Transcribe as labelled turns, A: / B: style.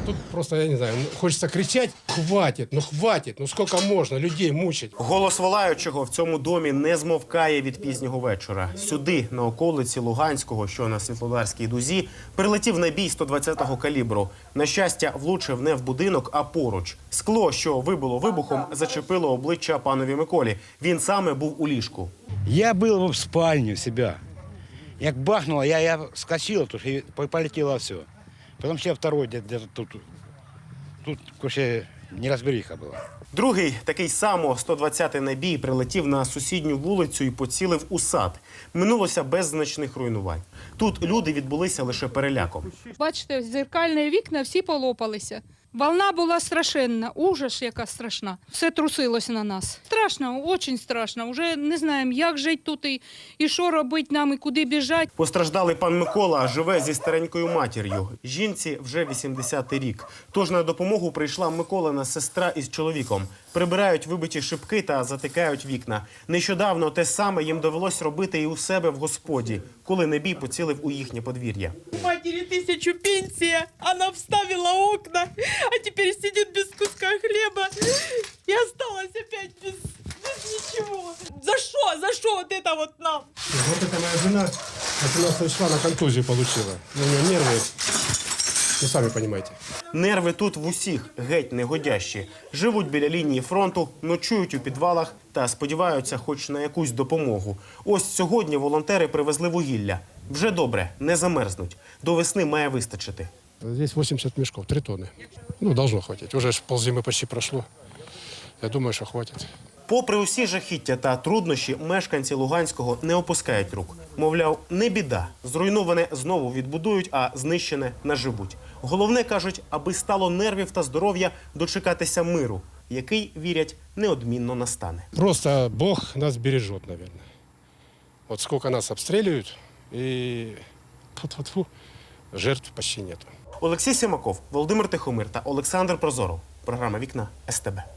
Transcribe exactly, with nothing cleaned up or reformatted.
A: Тут просто, я не знаю, хочется кричать, хватит, ну хватит, ну сколько можно людей мучить.
B: Голос волаючого в цьому домі не змовкає від пізнього вечора. Сюди, на околиці Луганського, що на Світлодарській дузі, прилетів набій сто двадцятого калібру. На щастя, влучив не в будинок, а поруч. Скло, що вибило вибухом, зачепило обличчя панові Миколі. Він саме був у ліжку.
C: Я был в спальне у себя. Як бахнуло, я, я скочил, тут и полетело все. Потом ще второй где-то тут. Тут вообще неразбериха була.
B: Другий, такий само сто двадцятий набій, прилетів на сусідню вулицю і поцілив у сад. Минулося без значних руйнувань. Тут люди відбулися лише переляком.
D: Бачите, зеркальні вікна всі полопалися. Волна була страшенна, ужас яка страшна. Все трусилось на нас. Страшно, дуже страшно. Уже не знаємо, як жити тут і, і що робити нам, і куди біжати.
B: Постраждалий пан Микола живе зі старенькою матір'ю. Жінці вже вісімдесятий рік. Тож на допомогу прийшла Миколина сестра із чоловіком. Прибирають вибиті шибки та затикають вікна. Нещодавно те саме їм довелось робити і у себе в господі, коли набій поцілив у їхнє подвір'я.
E: Матери тысячу пенсия, она вставила окна, а теперь сидит без куска хлеба и осталась опять без, без ничего. За что? За что вот это вот нам?
A: Вот это моя жена восемнадцатого числа на контузию получила. У нее нервы, вы сами понимаете.
B: Нерви тут в усіх геть негодящі. Живуть біля лінії фронту, ночують у підвалах та сподіваються хоч на якусь допомогу. Ось сьогодні волонтери привезли вугілля. Вже добре, не замерзнуть. До весни має вистачити.
A: Здесь восемьдесят мешков, три тонны. Ну, должно хватить. Уже ж ползимы почти прошло. Я думаю, что хватит.
B: Попри усі жахіття та труднощі, мешканці Луганського не опускають рук. Мовляв, не біда. Зруйноване знову відбудують, а знищене наживуть. Головне, кажуть, аби стало нервів та здоров'я дочекатися миру, який, вірять, неодмінно настане.
A: Просто Бог нас бережет, наверное. Вот сколько нас обстреливают, и фу-фу-фу, жертв почти нету.
B: Олексій Сімаков, Володимир Тихомир та Олександр Прозоров. Програма «Вікна» ес те бе.